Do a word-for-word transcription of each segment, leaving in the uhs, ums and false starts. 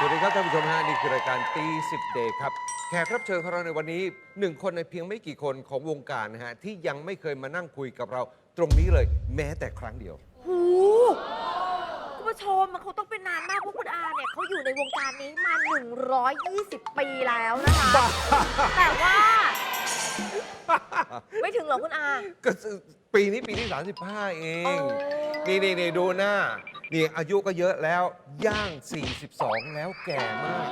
วัสดีครับท่านผู้ชมฮะนี่คือรายการตีสิบเดย์ครับแขกรับเชิญของเราในวันนี้หนึ่งคนในเพียงไม่กี่คนของวงการนะฮะที่ยังไม่เคยมานั่งคุยกับเราตรงนี้เลยแม้แต่ครั้งเดียวหูคุณผู้ชมมันคงต้องเป็นนานมากเพราะคุณอาเนี่ยเขาอยู่ในวงการนี้มา หนึ่งร้อยยี่สิบ ปีแล้วนะคะ แต่ว่า ไม่ถึงหรอคุณอาก็ปีนี้ปีที่สามสิบห้าเอง นี่นี่นี่ดูหน้า นี่อายุก็เยอะแล้วย่าง สี่สิบสอง แล้วแก่มาก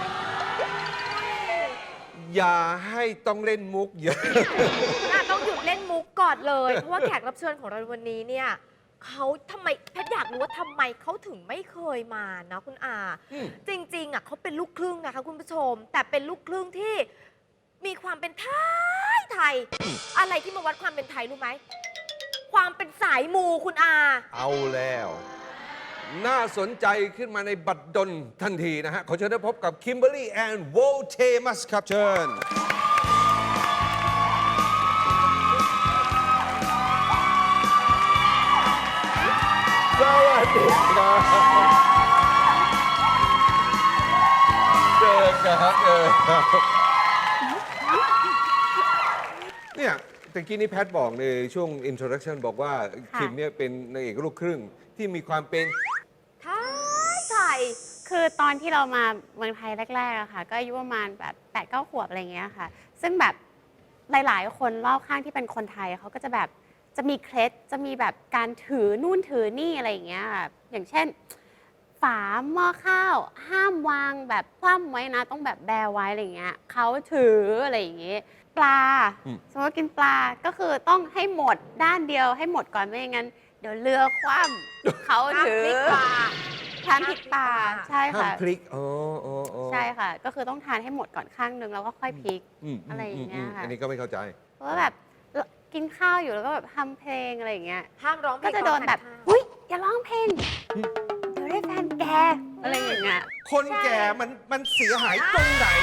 อย่าให้ต้องเล่นมุกเยอะคุณอาต้องหยุดเล่นมุกก่อนเลย เพราะว่าแขกรับเชิญของเราวันนี้เนี่ยเขาทำไมแพทย์อยากรู้ว่าทำไมเขาถึงไม่เคยมานะคุณอาอืมจริงๆอ่ะเขาเป็นลูกครึ่งนะคะคุณผู้ชม แต่เป็นลูกครึ่งที่มีความเป็นไทยไทย อะไรที่มาวัดความเป็นไทยรู้ไหม ความเป็นสายมูคุณอาเอาแล้ว น่าสนใจขึ้นมาในบัดดลทันทีนะฮะ ขอเชิญได้พบกับคิมเบอร์รี่แอนด์โวเทมัสครับเชิญ สวัสดีครับเจอครับเจอครับเนี่ยตะกี้นี้แพทบอกในช่วง introduction บอกว่าค่ะคิมเนี่ยเป็นนางเอกลูกครึ่งที่มีความเป็นไทยไทยคือตอนที่เรามาเมืองไทยแรกๆอะค่ะ ก็อายุประมาณแบบแปดเก้าขวบอะไรเงี้ยค่ะ ซึ่งแบบหลายๆ คนรอบข้างที่เป็นคนไทยเขาก็จะแบบจะมีเคล็ดจะมีแบบการถือนู่นถือนี่อะไรอย่างเงี้ยค่ะอย่างเช่น ฝาหม้อข้าวห้ามวางแบบคว่ำไว้นะ ต้องแบบแบไว้อะไรอย่างเงี้ยเขาถืออะไรอย่างเงี้ยปลาอืมสมมติว่ากินปลาก็คือต้องให้หมดด้านเดียวให้หมดก่อนไม่อย่างนั้นเดี๋ยวเรือคว่ำเขาถือทานพริกปลาทานพริกปลาใช่ห้ามค่ะพลิกอ๋ออ๋ออ๋อใช่ค่ะ ก็คือต้องทานให้หมดก่อนข้างนึงแล้วก็ค่อยพลิกมอะไรอย่างเงี้ยค่ะอันนี้ก็ไม่เข้าใจเพราะว่าแบบกินข้าวอยู่แล้วก็แบบทำเพลงอะไรอย่างเงี้ยห้ามร้องเพลก็งจะโดนแบบตอทาข้าวอุ้ยอย่าร้องเพลงเดี๋ยวได้แฟนแกอะไรอย่างเงี้ยคนแก่มันมันเสียหายตรงไหน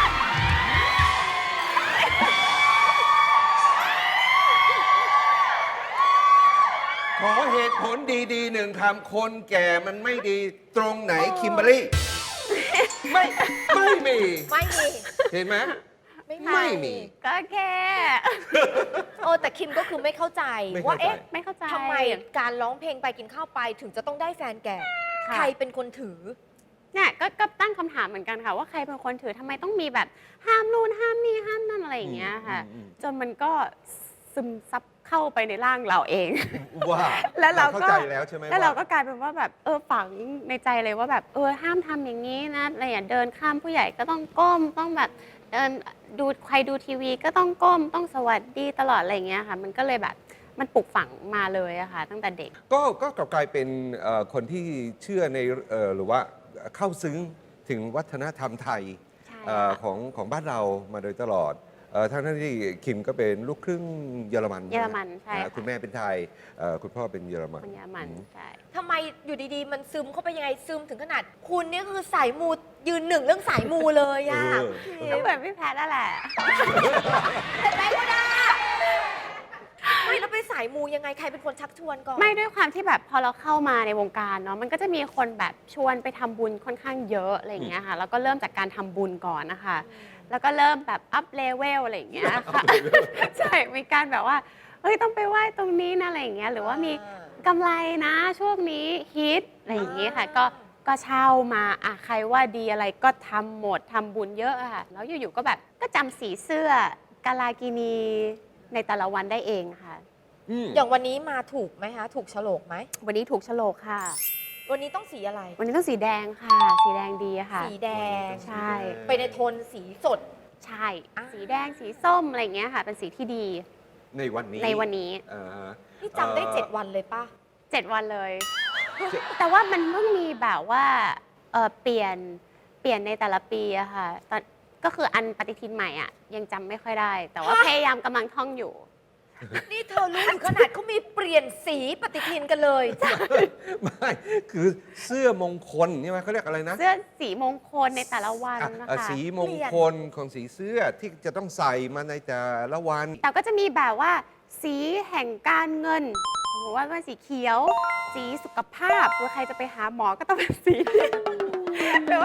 ขอเหตุผลดีๆหนึ่งคำคนแก่มันไม่ดีตรงไหนคิมเบอรรี่ ไม่ ไม่มีไม่มีเห็นไหมไม่ไม่มีก็แค่เออแต่คิมก็คือไม่เข้าใจไม่เข้าใจว่าเอ๊ะไม่เข้าใจทำไมการร้องเพลงไปกินข้าวไปถึงจะต้องได้แฟนแก่ค่ะใครเป็นคนถือเนี่ยก็ก็ตั้งคำถามเหมือนกันค่ะ ว่าใครเป็นคนถือทำไมต้องมีแบบห้ามนู่นห้ามนี่ห้ามนั่นอะไรอย่างเงี้ยค่ะอืมอืมจนมันก็ซึมซับเข้าไปในร่างเราเองว่าแล้วเราก็เข้าใจแล้วใช่ไหมแล้วเราว่าก็กลายเป็นว่าแบบเออฝังในใจเลยว่าแบบเออห้ามทำอย่างนี้นะอะไรอย่างเดินข้ามผู้ใหญ่ก็ต้องก้มต้องแบบเดินดูใครดูทีวีก็ต้องก้มต้องสวัสดีตลอดอะไรอย่างเงี้ยค่ะ มันก็เลยแบบมันปลูกฝังมาเลยอะค่ะ ตั้งแต่เด็กก็ก็กลับกลายเป็นเอ่อคนที่เชื่อในเอ่อหรือว่าเข้าซึ้งถึงวัฒนธรรมไทยใช่เอ่อค่ะของของบ้านเรามาโดยตลอดเอ่อทั้งที่คิมก็เป็นลูกครึ่งเยอรมันเยอรมันใช่อ่าค่ะคุณแม่เป็นไทยเอ่อคุณพ่อเป็นเยอรมันคนเยอรมันอืมใช่ทำไมอยู่ดีๆ มันซึมเข้าไปยังไงซึมถึงขนาด คุณเนี่ยคือสายมูยืนหนึ่งเรื่องสายมูเลยอะเออก็เหมือนพี่แพทย์นั่นแหละเป็นไรก็ได้ไม่แล้วไปสายมูยังไงใครเป็นคนชักชวนก่อนไม่ด้วยความที่แบบพอเราเข้ามาในวงการเนาะมันก็จะมีคนแบบชวนไปทำบุญค่อนข้างเยอะอะไรอย่างเงี้ยค่ะแล้วก็เริ่มจากการทำบุญก่อนนะคะ แล้วก็เริ่มแบบอัพเลเวลอะไรอย่างเงี้ยค่ะ ใช่มีการแบบว่าเฮ้ยต้องไปไหว้ตรงนี้นะอะไรอย่างเงี้ยหรือว่ามีกำไรนะช่วงนี้ฮิตอะไรอย่างเงี้ยค่ะก็ก็เช่ามาอ่ะใครว่าดีอะไรก็ทำหมดทำบุญเยอะอะค่ะแล้วอยู่ๆก็แบบก็จำสีเสื้อกาลากินีในแต่ละวันได้เองค่ะอืมอย่างวันนี้มาถูกไหมคะ ถูกโฉลกไหมวันนี้ถูกโฉลกค่ะวันนี้ต้องสีอะไรวันนี้ต้องสีแดงค่ะ สีแดงดีอะค่ะสีแดงใช่ไปในโทนสีสดใช่อ่าสีแดงสีส้มอะไรอย่างเงี้ยค่ะ เป็นสีที่ดีในวันนี้ในวันนี้อ่าฮะนี่จำได้เอ่อเจ็ดวันเลยป่ะเจ็ดวันเลยเจ็ดแต่ว่ามันเพิ่งมีแบบว่าเอ่อเปลี่ยนเปลี่ยนในแต่ละปีอะค่ะตอนก็คืออันปฏิทินใหม่อะยังจำไม่ค่อยได้ แต่ว่าฮะพยายามกำลังท่องอยู่นี่เธอรู้ถึงขนาดเขามีเปลี่ยนสีปฏิทินกันเลยไม่คือเสื้อมงคลใช่ไหมเขาเรียกอะไรนะเสื้อสีมงคลในแต่ละวันอ่ะนะอ่ะคะสีมงคลของสีเสื้อที่จะต้องใส่มาในแต่ละวันแต่ก็จะมีแบบว่า สีแห่งการเงินสมมติว่าเป็นสีเขียว สีสุขภาพหรือใครจะไปหาหมอก็ต้องเป็นสี หรือว่า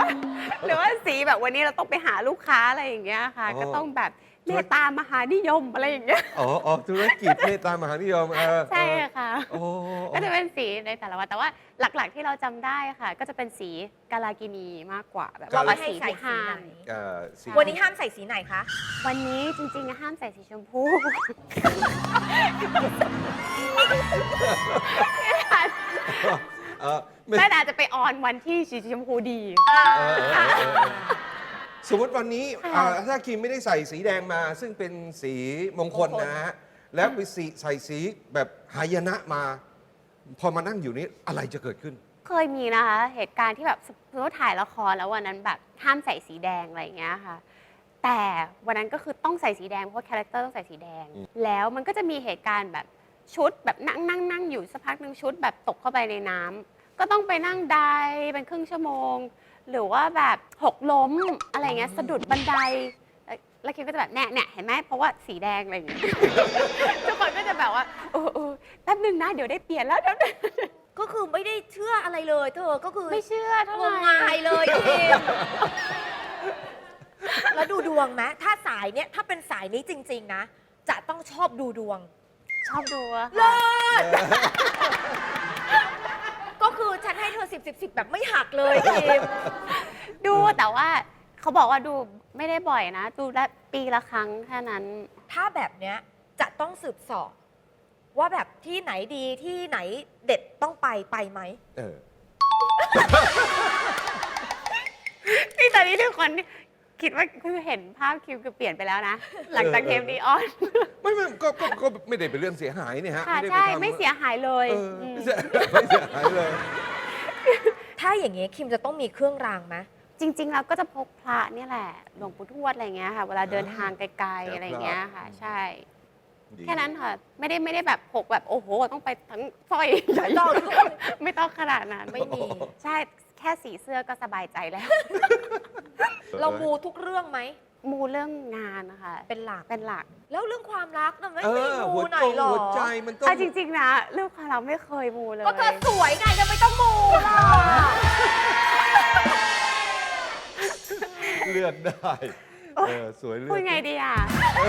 ว่าหรือว่าสีแบบวันนี้เราต้องไปหาลูกค้าอะไรอย่างเงี้ยค่ะอ๋อก็ต้องแบบเมตตามหานิยมอะไรอย่างเงี้ยอ๋ออ๋อธุรกิจเมตตามหานิยมเออใช่เออค่ะโอ้ก็จะเป็นสีในแต่ละวันแต่ว่าหลักๆที่เราจำได้ค่ะ ก็จะเป็นสีกาลากินีมากกว่าแบบว่าว่าไม่ให้สีใส่ที่สีห้าไหนมเอ่อสีวันนี้ห้ามใส่สีไหนคะวันนี้จริงๆห้ามใส่สีชมพูเออไม่แต่อาจจะไปออนวันที่สีชมพูดีเออเออเออเออสมมติวันนี้ค่ะอ่าถ้าคิมไม่ได้ใส่สีแดงมา ซึ่งเป็นสีมงคลนะฮะ แล้วไปสีใส่สีแบบหายนะมา พอมานั่งอยู่นี้อะไรจะเกิดขึ้นเคยมีนะคะ เหตุการณ์ที่แบบสมมติว่าถ่ายละครแล้ววันนั้นแบบห้ามใส่สีแดงอะไรอย่างเงี้ยค่ะ แต่วันนั้นก็คือต้องใส่สีแดงเพราะว่าคาแรคเตอร์ต้องใส่สีแดงอืมแล้วมันก็จะมีเหตุการณ์แบบชุดแบบนั่งนั่งนั่งอยู่สักพักหนึ่งชุดแบบตกเข้าไปในน้ำก็ต้องไปนั่งไดเป็นครึ่งชั่วโมง หรือว่าแบบหกล้มอะไรเงี้ยสะดุดบันไดแล้วแล้วคิมก็จะแบบแน่เนี่ยเห็นไหมเพราะว่าสีแดงอะไรอย่างเงี้ย ทุกคนก็จะแบบว่าเออเออแป๊บนึงนะเดี๋ยวได้เปลี่ยนแล้วเดี๋ยวก็คือไม่ได้เชื่ออะไรเลยเธอ ก็คือไม่เชื่อเท่างมไหร่งายเลยทีมแล้วดูดวงไหมถ้าสายเนี้ยถ้าเป็นสายนี้จริง ๆ นะ จะต้องชอบดูดวงชอบดูอะเลิค่ะศก็คือฉันให้เธอสิบสิบสิบแบบไม่หักเลยทีมดูแต่ว่าเขาบอกว่าดูไม่ได้บ่อยนะ ดูละปีละครั้งแค่นั้นถ้าแบบเนี้ยจะต้องสืบสอบ ว่าแบบที่ไหนดีที่ไหนเด็ดต้องไปไปไหมเออนี่ตอนนี้ทุกคนคิดว่าคือเห็นภาพคิวคือเปลี่ยนไปแล้วนะ หลังจากเทปดีออนไม่ไม่ก็ก็ก็ไม่ได้เป็นเรื่องเสียหายเนี่ยฮะค่ะไม่ได้ใช่ปทำไม่เสียหายเลยเออมไม่เสียไม่เสียหายเลยถ้าอย่างนี้คิมจะต้องมีเครื่องรางไหมจริงๆเราก็จะพกพระเนี่ยแหละหลวงปู่ทวดอะไรเงี้ยค่ะ เวลาเดินทางไกลๆอะไรเงี้ยค่ะ ใช่ดีแค่นั้นค่ะ ไม่ได้ไม่ได้แบบพกแบบโอ้โห ต้องไปทั้งสร้อยใหญ่ไม่ต้องไม่ต้องขนาดนั้นไม่มีใช่แค่สีเสื้อก็สบายใจแล้วเรามูทุกเรื่องไหมมูเรื่องงานนะคะเป็นหลักเป็นหลักแล้วเรื่องความรักน่ะไม่เอไม่อมูหัวหน่จอยงหรอหัวใจมันต้องเอาจริง ๆ นะเรื่องความรักไม่เคยมูเลยก็เธอสวยไงจะไม่ต้องมูล่ะเลือกได้เออสวยเลือกพูดไงดีอ่ะ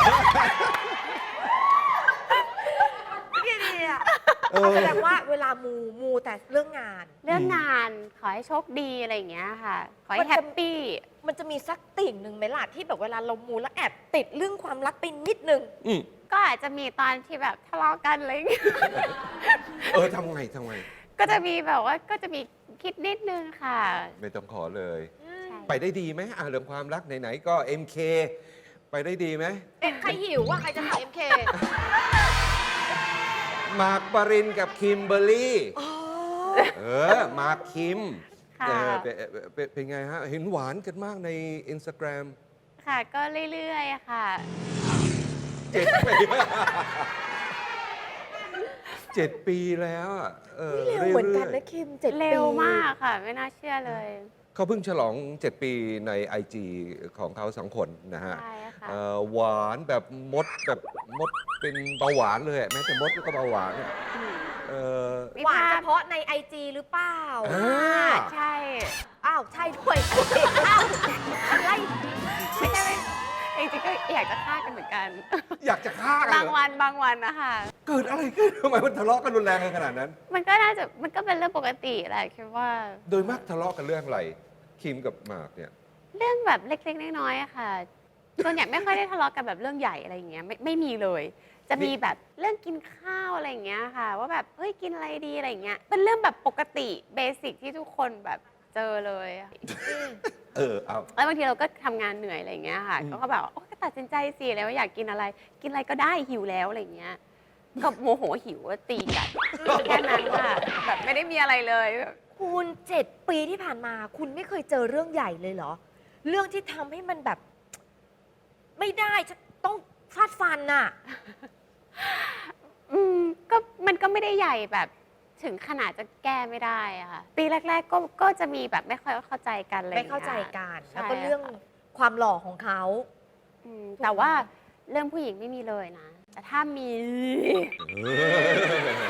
นี่ดีอ่ะเออแสดงว่าเวลามูมูแต่เรื่องงานเรื่องงานขอให้โชคดีอะไรอย่างเงี้ยค่ะ ขอมัให้นจะแฮปปี้มันจะมีสักติ่งหนึ่งไหมล่ะที่แบบเวลาเรามูแล้วแอบติดเรื่องความรักไปนิดนึงอืมก็อาจจะมีตอนที่แบบทะเลาะกันอะไรอย่างเงี้ยเออทำไงทำไงก็จะมีแบบว่าก็จะมีคิดนิดนึงค่ะไม่ต้องขอเลยใช่ไปได้ดีไหมอ่ะเรื่องความรักไหนๆก็ เอ็ม เค ไปได้ดีไหมเอ็มใครหิวว่าใครจะทำเอ็มเคมาร์คปรินกับคิมเบอร์รี่ เออ มาร์คคิมค่ะเออเป็นเป็นเป็นไงฮะ เห็นหวานกันมากใน Instagram ค่ะ ก็เรื่อยๆค่ะเจ็ดปี เจ็ดปีแล้วอ่ะเออเร็วเหมือนกันรื่นะยคิมเจ็ดปีเร็วมากค่ะ ไม่น่าเชื่อเลยๆเขาเพิ่งฉลอง เจ็ด ปีใน ไอ จี ของเขาสองคนนะฮะใช่ค่ะเอ่อหวานแบบมดแบบมดเป็นเบาหวานเลยอะแม้แต่มดก็เบาหวานอะเออมีหวานภาพเฉพาะในไอจีหรือเปล่าอ่าใช่อ้าว ใช่ด้วย อ้าวอะไรไม่ใช่ไม่จริงๆก็อยากจะฆ่ากันเหมือนกันอยากจะฆ่ากันบางเหรอวันบางวันนะคะเกิดอะไรขึ้นทำไมมันทะเลาะกันรุนแรงกันขนาดนั้นมันก็น่าจะมันก็เป็นเรื่องปกติแหละคิดว่าโดยมากทะเลาะกันเรื่องอะไร คิมกับหมากเนี่ยเรื่องแบบเล็กๆน้อยๆอะค่ะส่วนใหญ่ไม่ค่อยได้ทะเลาะกันแบบเรื่องใหญ่อะไรอย่างเงี้ยไม่ไม่มีเลย จะมีแบบเรื่องกินข้าวอะไรอย่างเงี้ยค่ะ ว่าแบบเฮ้ยกินอะไรดีอะไรอย่างเงี้ยเป็นเรื่องแบบปกติเบสิกที่ทุกคนแบบเจอเลยอะเออ เอาแล้วบางทีเราก็ทำงานเหนื่อยอะไรอย่างเงี้ยค่ะอืมก็แบบว่าโอ๊ยก็ตัดสินใจสิแล้วว่าอยากกินอะไร กินอะไรก็ได้หิวแล้วอะไรอย่างเงี้ยก็โมโหหิวก็ตีกันแค่นั้นค่ะแบบไม่ได้มีอะไรเลยแบบคุณเจ็ดปีที่ผ่านมา คุณไม่เคยเจอเรื่องใหญ่เลยเหรอ เรื่องที่ทำให้มันแบบ ไม่ได้จะต้องฟาดฟันน่ะอืมก็มันก็ไม่ได้ใหญ่แบบถึงขนาดจะแก้ไม่ได้อะค่ะปีแรก ๆ ก็ก็จะมีแบบไม่ค่อยเข้าใจกันอะไรอไม่ย่งงี้ยเข้าใจกันใช่แล้วก็เรื่องความหล่อของเขาอืมแต่ว่าเรื่องผู้หญิงไม่มีเลยนะ แต่ถ้ามีเออ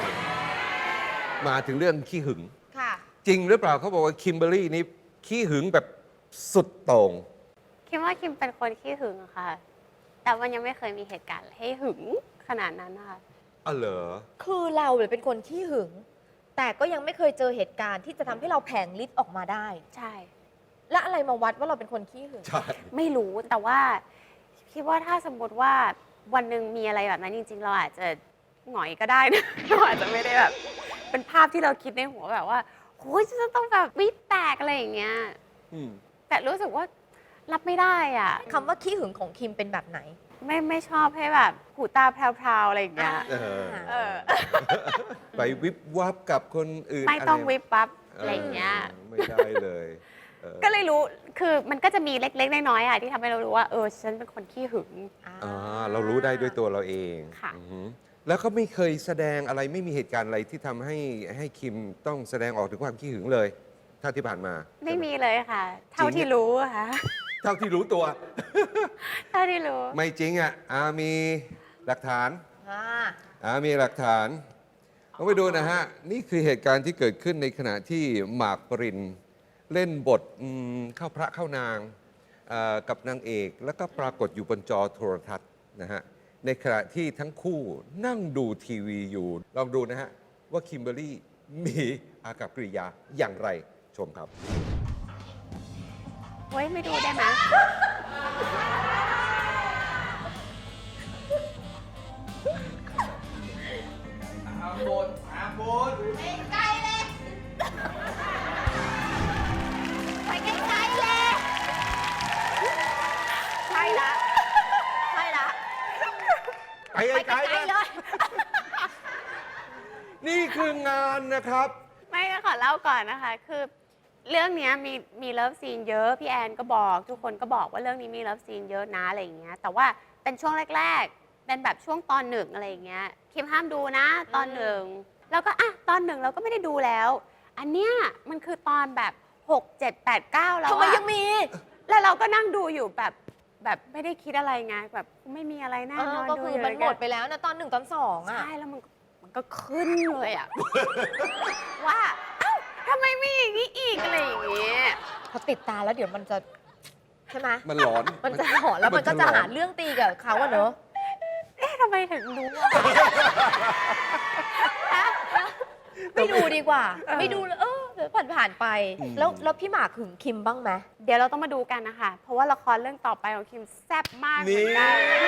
มาถึงเรื่องขี้หึงค่ะจริงหรือเปล่าเขาบอกว่าคิมเบอร์รี่นี่ขี้หึงแบบสุดโต่งคิดว่าคิมเป็นคนขี้หึงอะค่ะ แต่มันยังไม่เคยมีเหตุการณ์ให้หึงขนาดนั้นนะคะอ๋อเหรอคือเราเนี่ยเป็นคนขี้หึง แต่ก็ยังไม่เคยเจอเหตุการณ์ที่จะทำให้เราแผงฤทธิ์ออกมาได้ใช่และอะไรมาวัดว่าเราเป็นคนขี้หึงใช่ไม่รู้แต่ว่าคิดว่าถ้าสมมติว่าวันหนึ่งมีอะไรแบบนั้นจริง ๆ เราอาจจะหงอยก็ได้นะ เราอาจจะไม่ได้แบบ เป็นภาพที่เราคิดในหัวแบบว่าโอ้ยจะต้องแบบวิดแตกอะไรอย่างเงี้ยอืมแต่รู้สึกว่ารับไม่ได้อ่ะคำว่าขี้หึงของคิมเป็นแบบไหนไม่ไม่ชอบให้แบบหูตาแพรวๆอะไรอย่างเงี้ยเออเออไปวิบวับกับคนอื่นไม่ต้องะรวิบปั๊บเอะไรอย่างเงี้ยไม่ได้เลยออก็เลยรู้คือมันก็จะมีเล็กๆน้อยๆอ่ะที่ทำให้เรารู้ว่าเออฉันเป็นคนขี้หึงอ่าเรารู้ได้ด้วยตัวเราเองค่ะอือหือแล้วก็ไม่เคยแสดงอะไรไม่มีเหตุการณ์อะไรที่ทำให้ให้คิมต้องแสดงออกถึงความขี้หึงเลยถ้าที่ผ่านมาไม่มีเลยค่ะ เท่าที่รู้อะค่ะเท่าที่รู้ตัวเท่าที่รู้ไม่จริงอ่ะอามีหลักฐานอ่าอามีหลักฐานเราไปดูนะฮะ นี่คือเหตุการณ์ที่เกิดขึ้นในขณะที่หมากปรินเล่นบทอืมเข้าพระเข้านางเอ่อกับนางเอก แล้วก็ปรากฏอยู่บนจอโทรทัศน์นะฮะ ในขณะที่ทั้งคู่นั่งดูทีวีอยู่ ลองดูนะฮะ ว่าคิมเบอรรี่มีอากับกริยาอย่างไรชมครับเฮ้ย ไม่ดูได้ไหมอาบนอาบนไปไกลเลย ไปไกลๆเลย ใช่ละ ใช่ละไปไปไกไกลลๆๆเลนะยนี่คืองานนะครับไม่ขอเล่าก่อนนะคะ คือเรื่องเนี้ยมีมีเลิฟซีนเยอะ พี่แอนก็บอก ทุกคนก็บอกว่าเรื่องนี้มีเลิฟซีนเยอะนะอะไรอย่างเงี้ย แต่ว่าเป็นช่วงแรก ๆ เป็นแบบช่วงตอนหนึ่งอะไรอย่างเงี้ย คิมห้ามดูนะตอนหนึ่ง แล้วก็อ่ะตอนหนึ่งเราก็ไม่ได้ดูแล้ว อันเนี้ยมันคือตอนแบบหก เจ็ด แปด เก้าแล้วทำไมอะยังมีแล้วเราก็นั่งดูอยู่แบบแบบไม่ได้คิดอะไรไงแบบไม่มีอะไรน่าเอน ออนก็ดูคืออยู่มันหมดไปแล้วนะตอนหนึ่งตอนสองอ่ะใช่แล้วมันมันก็ขึ้นเลยอะ ว่าเอ้าทำไมมีอย่างนี้อีกอะไรอย่างเงี้ยพอติดตาแล้วเดี๋ยวมันจะ ใช่ไหมมันหลอนมันจะหอนแล้วมันก็จะหาเรื่องตีกับเขาอะเนอะเอ๊ะทำไมถึงรู้อะไม่ดูดีกว่าเออไม่ดูเลยเออเดี๋ยวผ่านผ่านๆไปอืมแล้วแล้วพี่หมากหึงคิมบ้างไหมเดี๋ยวเราต้องมาดูกันนะคะ เพราะว่าละครเรื่องต่อไปของคิมแซ่บมากเหมืนี่อนกัน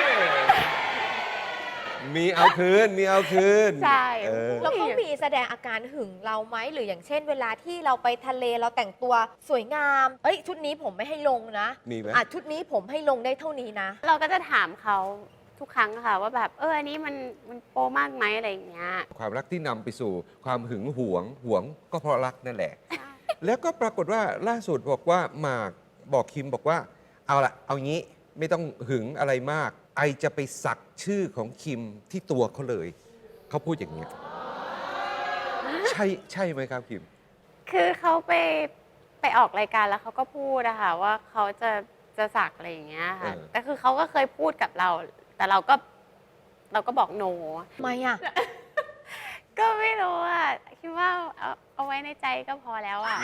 มีเอาคืน มีเอาคืนใช่เออแล้วเขามีแสดงอาการหึงเราไหมหรืออย่างเช่น เวลาที่เราไปทะเลเราแต่งตัวสวยงาม เอ้ยชุดนี้ผมไม่ให้ลงนะมีไหมอ่ะชุดนี้ผมให้ลงได้เท่านี้นะเราก็จะถามเขาทุกครั้งค่ะ ว่าแบบเอออันนี้มันมันโปมากไหมอะไรอย่างเงี้ยความรักที่นำไปสู่ความหึงหวง หวงก็เพราะรักนั่นแหละ แล้วก็ปรากฏว่าล่าสุดบอกว่าหมากบอกคิมบอกว่า เอาละเอางี้ไม่ต้องหึงอะไรมาก ไอจะไปสักชื่อของคิมที่ตัวเขาเลย เขาพูดอย่างนี้ยใช่ใช่ไหมครับคิมคือเขาไปไปออกรายการแล้วเขาก็พูดอะค่ะว่าเขาจะจะสักอะไรอย่างเงี้ยค่ะเออแต่คือเขาก็เคยพูดกับเรา แต่เราก็เราก็บอกโนทำไมอ่ะก็ไม่รู้อะคิดว่าเอาเอาไว้ในใจก็พอแล้วอะ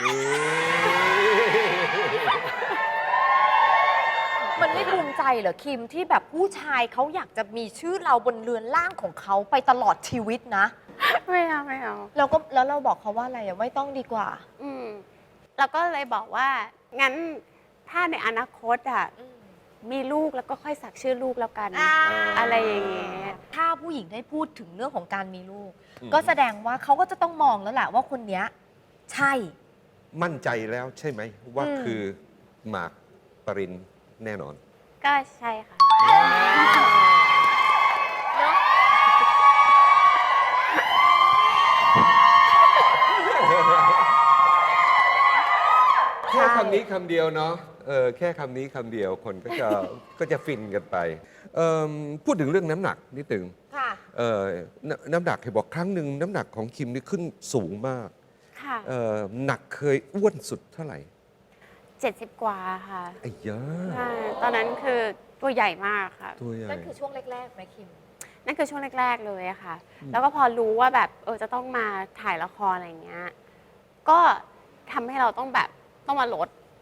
มันไม่ภูมิใจเหรอคิมที่แบบผู้ชายเขาอยากจะมีชื่อเราบนเรือนร่างของเขาไปตลอดชีวิตนะไม่เอาไม่เอาเราก็แล้วเราบอกเขาว่าอะไรอะไม่ต้องดีกว่าอืมเราก็เลยบอกว่า งั้นถ้าในอนาคตอะมีลูกแล้วก็ค่อยสักชื่อลูกแล้วกัน อะไรอย่างเงี้ยถ้าผู้หญิงได้พูดถึงเรื่องของการมีลูกอืมก็แสดงว่าเขาก็จะต้องมองแล้วแหละว่าคนเนี้ยใช่มั่นใจแล้วใช่ไหม ว่าอืมคือหมากปรินแน่นอนก็ใช่ค่ะเนาะแค่คำนี้คำเดียวเนาะเออแค่คำนี้คำเดียวคนก็จะ ก็จะฟินกันไปเอิ่มพูดถึงเรื่องน้ำหนักนิดหนึ่งค่ะเอ่อน้ำน้ำหนักเห็นบอกครั้งหนึ่งน้ำหนักของคิมนี่ขึ้นสูงมากค่ะเอ่อหนักเคยอ้วนสุดเท่าไหร่เจ็ดสิบกว่าค่ะไอ้ยาใช่ตอนนั้นคือตัวใหญ่มากค่ะตัวใหญ่นั่นคือช่วงแรกๆไหมคิมนั่นคือช่วงแรก ๆ เลยอะค่ะอืมแล้วก็พอรู้ว่าแบบเออจะต้องมาถ่ายละครอะไรอย่างเงี้ย ก็ทำให้เราต้องแบบต้องมาลด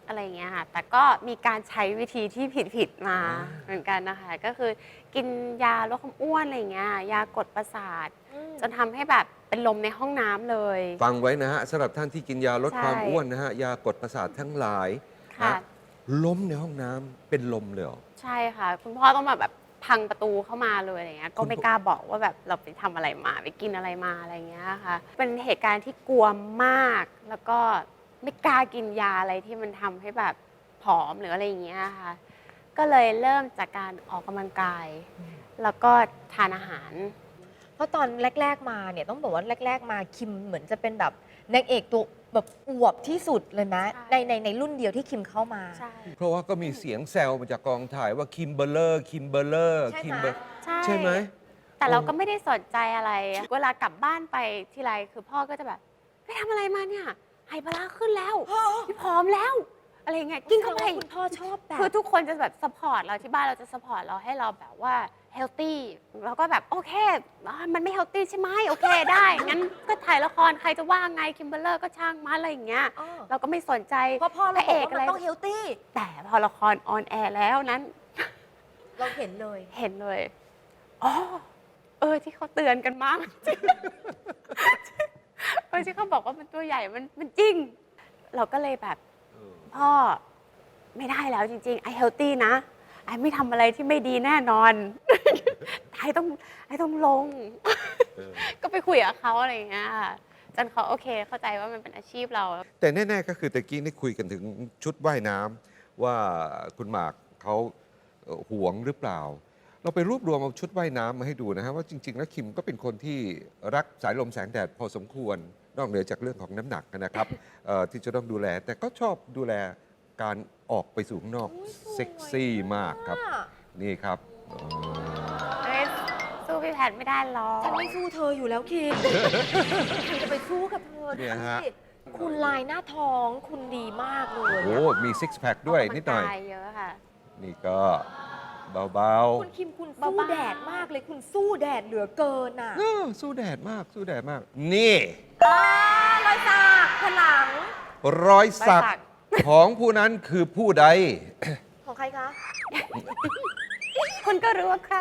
อะไรอย่างเงี้ยค่ะแต่ก็มีการใช้วิธีที่ผิดๆมาเหมือนกันนะคะก็คือกินยาลดความอ้วนอะไรอย่างเงี้ยยากดประสาทอืมจนทำให้แบบเป็นลมในห้องน้ำเลยฟังไว้นะฮะสำหรับท่านที่กินยาลดใช่ความอ้วนนะฮะยากดประสาททั้งหลายค่ะนะล้มในห้องน้ำเป็นลมเลยเหรอใช่ค่ะ คุณพ่อต้องมาแบบพังประตูเข้ามาเลยอะไรเงี้ยก็ไม่กล้าบอกว่าแบบเราไปทำอะไรมาไปกินอะไรมาอะไรเงี้ยค่ะเป็นเหตุการณ์ที่กลัวมาก แล้วก็ไม่กล้ากินยาอะไรที่มันทำให้แบบผอมหรืออะไรอย่างเงี้ยค่ะก็เลยเริ่มจากการออกกำลังกาย แล้วก็ทานอาหารเพราะตอนแรก ๆ มาเนี่ยต้องบอกว่าแรก ๆ มาคิมเหมือนจะเป็นแบบนางเอกตัวแบบอวบที่สุดเลยนะใช่ในในในรุ่นเดียวที่คิมเข้ามาใช่เพราะว่าก็มีเสียงแซวมาจากกองถ่ายว่าคิมเบอร์เลอร์คิมเบอร์เลอร์ใช่ไหมคิมเบอร์ใช่ใช่ไหมแต่เราก็ไม่ได้สนใจอะไร เวลากลับบ้านไปทีไรคือพ่อก็จะแบบไปทำอะไรมาเนี่ยไฮปลาร้าขึ้นแล้วพี่ผอมแล้ว อะไรเงี้ยกินเข้าไปคุณพ่อชอบแบบคือทุกคนจะแบบสปอร์ตเราที่บ้านเราจะสปอร์ตเราให้เราแบบว่าเฮลตี้เราก็แบบโอเคอ่ามันไม่เฮลตี้ใช่ไหมโอเคได้ งั้นก็ถ่ายละครใครจะว่าไงคิมเบอร์เลอร์ก็ช่างมาอะไรอย่างเงี้ยอ้อเราก็ไม่สนใจเพราะพ่อพเราระบเออกกว่าอะไรมันต้องเฮลตี้แต่พอละครออนแอร์แล้วนั้นเราเห็นเลยเห็นเลยอ๋อเออที่เขาเตือนกันมาก จริงเออที่เขาบอกว่ามันตัวใหญ่มันมันจริง เราก็เลยแบบพ่อไม่ได้แล้วจริงๆไอเฮลตี้นะไอไม่ทำอะไรที่ไม่ดีแน่นอน ไอต้องไอต้องลง ก็ไปคุยกับเขาอะไรอย่างเงี้ยค่ะจนเขาโอเคเข้าใจว่ามันเป็นอาชีพเราแต่แน่ ๆ ก็คือตะกี้นี่คุยกันถึงชุดว่ายน้ำว่าคุณหมากเขาเอ่อหวงหรือเปล่า เราไปรวบรวมเอาชุดว่ายน้ำมาให้ดูนะฮะว่าจริง ๆ แล้วคิมก็เป็นคนที่รักสายลมแสงแดดพอสมควร นอกเหนือจากเรื่องของน้ำหนักนะครับเอ่อที่จะต้องดูแล แต่ก็ชอบดูแลการออกไปสู่ข้างนอกอุ๊ยสวยเซ็กซี่มากครับอะนี่ครับอ๋อเอ้ยสู้พี่แพทย์ไม่ได้หรอกฉันไม่สู้เธออยู่แล้วคิม คุณจะไปสู้กับเธอเนี่ยฮะดูสิคุณลายหน้าท้องคุณดีมากเลยโอ้อะมีซิกแพคด้วยนิดหน่อยกกำลังกาเยอะค่ะนี่ก็เบาคุณคิมคุณสู้เบาๆแดดมากเลยคุณสู้แดดเหลือเกินอ่ะๆเออสู้แดดมากสู้แดดมาก นี่อ่ารอยสักผนังรอยสักของผู้นั้นคือผู้ใดของใครคะคุณก็รู้ว่าใคร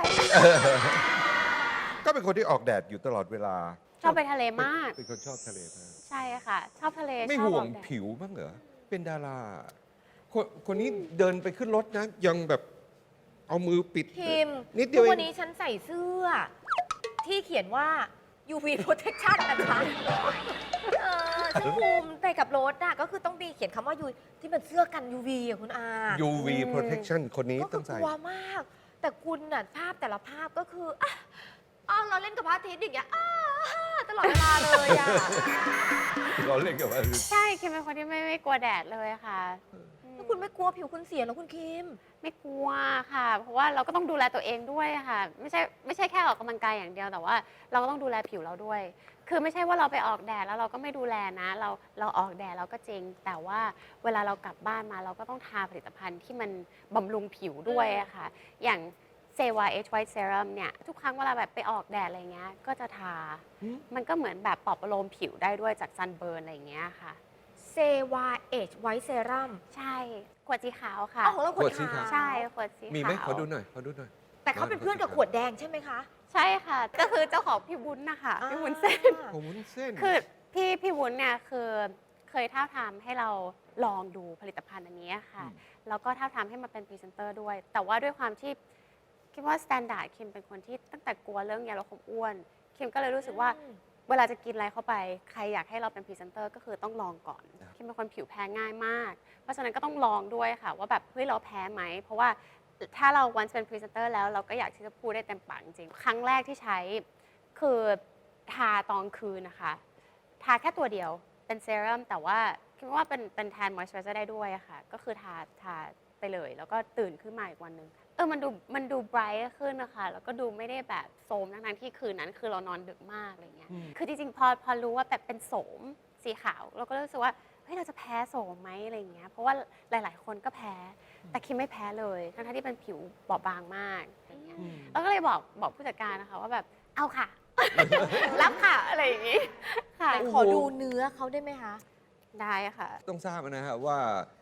ก็เป็นคนที่ออกแดดอยู่ตลอดเวลาชอบไปทะเลมากเป็นคนชอบทะเลมากใช่ค่ะ ชอบทะเลไม่ชอบห่วอง อกแดดผิวบ้างเหรอ เป็นดารา คนคนนี้เดินไปขึ้นรถนะ ยังแบบเอามือปิดคิมนิดเดีทุยวกเอวันงนี้ฉันใส่เสื้อ ที่เขียนว่า ยู วี protection นะคะเออเสื้อคลุมไปกับรถอะก็คือต้องมีเขียนคำว่ายูที่เป็นเสื้อกัน ยู วี อะคุณอายู วี protection คนนี้ก็คืต้อองกใส่ลัวมาก แต่คุณน่ะภาพแต่ละภาพก็คืออ่ะอ้าวเราเล่นกับพระอาทิตย์อย่างเงี้ยอ้าตลอดเวลาเลยอะเราเล่นกับว่าใช่คิมเป็นคนที่ไม่ไม่กลัวแดดเลยค่ะอืมแล้วคุณไม่กลัวผิวคุณเสียเหรอคุณคิมไม่กลัวค่ะ เพราะว่าเราก็ต้องดูแลตัวเองด้วยค่ะ ไม่ใช่ไม่ใช่แค่ออกกำลังกายอย่างเดียวแต่ว่า เราก็ต้องดูแลผิวเราด้วย คือไม่ใช่ว่าเราไปออกแดดแล้วเราก็ไม่ดูแลนะ เราเราออกแดดเราก็จริง แต่ว่าเวลาเรากลับบ้านมาเราก็ต้องทาผลิตภัณฑ์ที่มันบำรุงผิวด้วยอะค่ะ อย่างเซวา H White Serum เนี่ยทุกครั้งเวลาแบบไปออกแดดอะไรเงี้ยก็จะทาอืมมันก็เหมือนแบบปลอบประโลมผิวได้ด้วยจากซันเบิร์นอะไรอย่างเงี้ยค่ะเซวาเอชไวท์เซรั่มใช่ขวดสีขาวค่ะอ๋อของเราขวดขวดสีขาขาว วใช่ขวดสีขาวมีไหมขอดูหน่อยขอดูหน่อยแต่เขาเป็นเพื่อนกับขวดแดงใช่ไหมคะใช่ค่ะ ก็คือเจ้าของพี่วุ้นนะคะพี่วุ้นเส้นอ่าโอ้วุ้นเส้นคือพี่พี่วุ้นเนี่ยคือเคยท้าบทามให้เราลองดูผลิตภัณฑ์อันนี้ค่ะอืมแล้วก็ท้าบทามให้มาเป็นพรีเซนเตอร์ด้วย แต่ว่าด้วยความที่คิดว่าสแตนดาร์ดคิมเป็นคนที่ตั้งแต่กลัวเรื่องยาลดความอ้วนคิมก็เลยรู้สึกว่าอืมเวลาจะกินอะไรเข้าไป ใครอยากให้เราเป็นพรีเซนเตอร์ก็คือต้องลองก่อนคิมเป็นคนผิวแพ้ง่ายมาก เพราะฉะนั้นก็ต้องลองด้วยค่ะ ว่าแบบเฮ้ยเราแพ้ไหม เพราะว่าถ้าเราวันเป็นพรีเซนเตอร์แล้วเราก็อยากที่จะพูดได้เต็มปากจริงๆครั้งแรกที่ใช้คือทาตอนคืนนะคะ ทาแค่ตัวเดียวเป็นเซรั่มแต่ว่าคิดว่าเป็นเป็นแทนมอยส์เจอร์ได้ด้วยอะค่ะ ก็คือทาทาไปเลย แล้วก็ตื่นขึ้นมาอีกวันหนึ่งเออมันดูมันดูไบรท์ขึ้นนะคะแล้วก็ดูไม่ได้แบบโสมทั้งๆที่คืนนั้นคือเรานอนดึกมากอะไรเงี้ยอืมคือจริงๆพอพอรู้ว่าแบบเป็นโสมสีขาวเราก็รู้สึกว่าเฮ้ยเราจะแพ้โสมไหมอะไรเงี้ยเพราะว่าหลาย ๆ คนก็แพ้แต่คิมไม่แพ้เลยทั้งๆที่เป็นผิวบอบบางมากอะไรเงี้ยอืมเราก็เลยบอกบอกผู้จัดการนะคะว่าแบบเอาค่ะ รับค่ะอะไรอย่างงี้ค่ะไหนขอดูเนื้อเขาได้ไหมคะได้ค่ะต้องทราบนะฮะว่า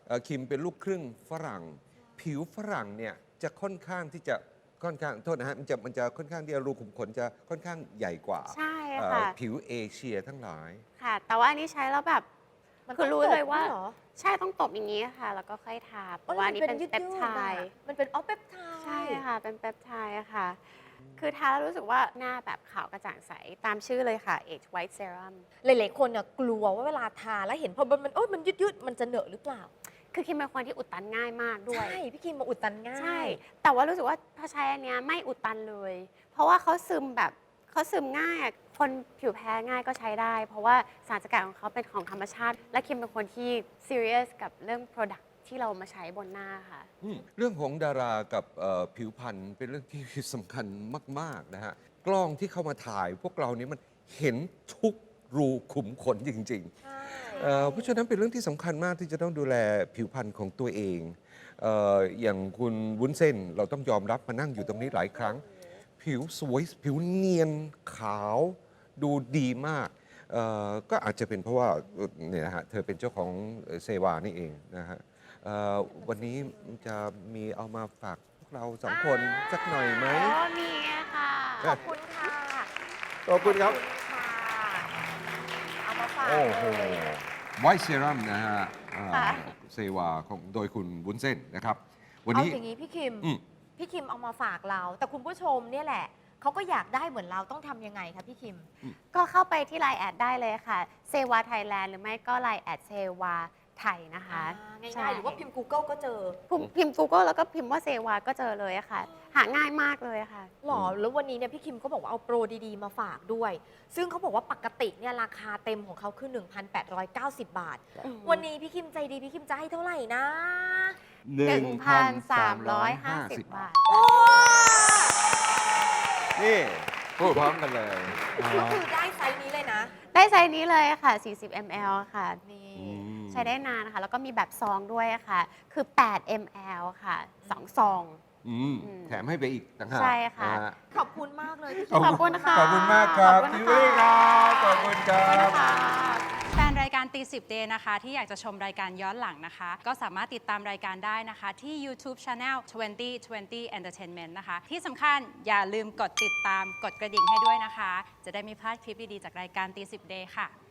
เอ่อคิมเป็นลูกครึ่งฝรั่ง ผิวฝรั่งเนี่ยจะค่อนข้างที่จะค่อนข้างโทษนะฮะมันจะมันจะค่อนข้างที่จะรูขุมขนจะค่อนข้างใหญ่กว่าใช่เอ่อค่ะผิวเอเชียทั้งหลายค่ะ แต่ว่าอันนี้ใช้แล้วแบบมันคือรู้เลยว่าต้องตบด้วยเหรอใช่ต้องตบอย่างนี้ค่ะ แล้วก็ค่อยทาเพราะว่าอันนี้เป็นยืดๆเปปไทอะด์มันเป็นออฟเปปไทด์ใช่ค่ะ เป็นเปปไทด์ค่ะ คือทาแล้วรู้สึกว่าหน้าแบบขาวกระจ่างใสตามชื่อเลยค่ะ Age White Serum หลายๆคนเนี่ยกลัวว่าเวลาทาแล้วเห็นพอมันมันโอ๊ยมันยืดๆมันจะเหนอะหรือเปล่าคือคิมเป็นคนที่อุดตันง่ายมากด้วยใช่ พี่คิมมาอุดตันง่ายใช่ แต่ว่ารู้สึกว่าพอใช้อันเนี้ยไม่อุดตันเลย เพราะว่าเขาซึมแบบเขาซึมง่ายอะคนผิวแพ้ง่ายก็ใช้ได้ เพราะว่าสารสกัดของเขาเป็นของธรรมชาติ และคิมเป็นคนที่ serious กับเรื่อง product ที่เรามาใช้บนหน้าค่ะอืมเรื่องของดารากับเอ่อผิวพรรณเป็นเรื่องที่สำคัญมาก ๆ นะฮะ กล้องที่เข้ามาถ่ายพวกเรานี้มันเห็นทุกรูขุมขนจริง ๆใช่เอ่อเพราะฉะนั้นเป็นเรื่องที่สำคัญมากที่จะต้องดูแลผิวพรรณของตัวเองเอออย่างคุณวุ้นเส้นเราต้องยอมรับมานั่งอยู่ตรงนี้หลายครั้ง ผิวสวยผิวเนียนขาวดูดีมากเอ่อก็อาจจะเป็นเพราะว่าเอ่อเนี่ยนะฮะเธอเป็นเจ้าของเซวานี่เองนะฮะเอ่อวันนี้จะมีเอามาฝากพวกเราสองคนสักหน่อยไหมอ๋อมีค่ะขอบคุณค่ะขอบคุณครับขอณค่ะ เอามาฝากโอ้โหเลยไวท์เซรั่มนะฮะอ่าค่ะเซวาของโดยคุณวุ้นเส้นนะครับ วันเอานี้อย่างนี้พี่คิมอืมพี่คิมเอามาฝากเรา แต่คุณผู้ชมเนี่ยแหละ เขาก็อยากได้เหมือนเราต้องทำยังไงคะพี่คิมก็เข้าไปที่ไลน์แอดได้เลยค่ะเซวาไทยแลนด์หรือไม่ก็ไลน์แอดเซวาไทยนะคะง่ใช่ายๆ หรือว่าพิมพ์ Google ก็เจอพิมพ์พิมพ์ Google แล้วก็พิมพ์ว่าเซวาก็เจอเลยอะค่ะ หาง่ายมากเลยค่ะหรอ แล้ววันนี้เนี่ยพี่คิมก็บอกว่าเอาโปรดีๆ มาฝากด้วย ซึ่งเขาบอกว่าปกติเนี่ยราคาเต็มของเขาคือ หนึ่งพันแปดร้อยเก้าสิบ บาทอืมวันนี้พี่คิมใจดีพี่คิมจะให้เท่าไหร่นะหนึ่งพันสามร้อยห้าสิบบาทโอ้นี่พูดพร้อมกันเลยก็คือได้ไซส์นี้เลยนะได้ไซส์นี้เลยค่ะ สี่สิบมิลลิลิตร ค่ะนี่อืมใช้ได้นานนะคะ แล้วก็มีแบบซองด้วยค่ะ คือ แปดมิลลิลิตร ค่ะ สอง ซองอืมอืมแถมให้ไปอีกต่างหากใช่ค่ะนฮขอบคุณมากเลยพี่คิขอบมขอบคุณค่ะขอบคุณมากครับขอบคุณพี่ค่ะวิครับขอบคุณครับค่ะแฟนรายการตีสิบเดย์นะคะที่อยากจะชมรายการย้อนหลังนะคะ ก็สามารถติดตามรายการได้นะคะ ที่ YouTube Channel ยี่สิบ ยี่สิบ Entertainment นะคะ ที่สำคัญอย่าลืมกดติดตามกดกระดิ่งให้ด้วยนะคะ จะได้ไม่พลาดคลิปดี ๆ จากรายการตีสิบเดย์ค่ะ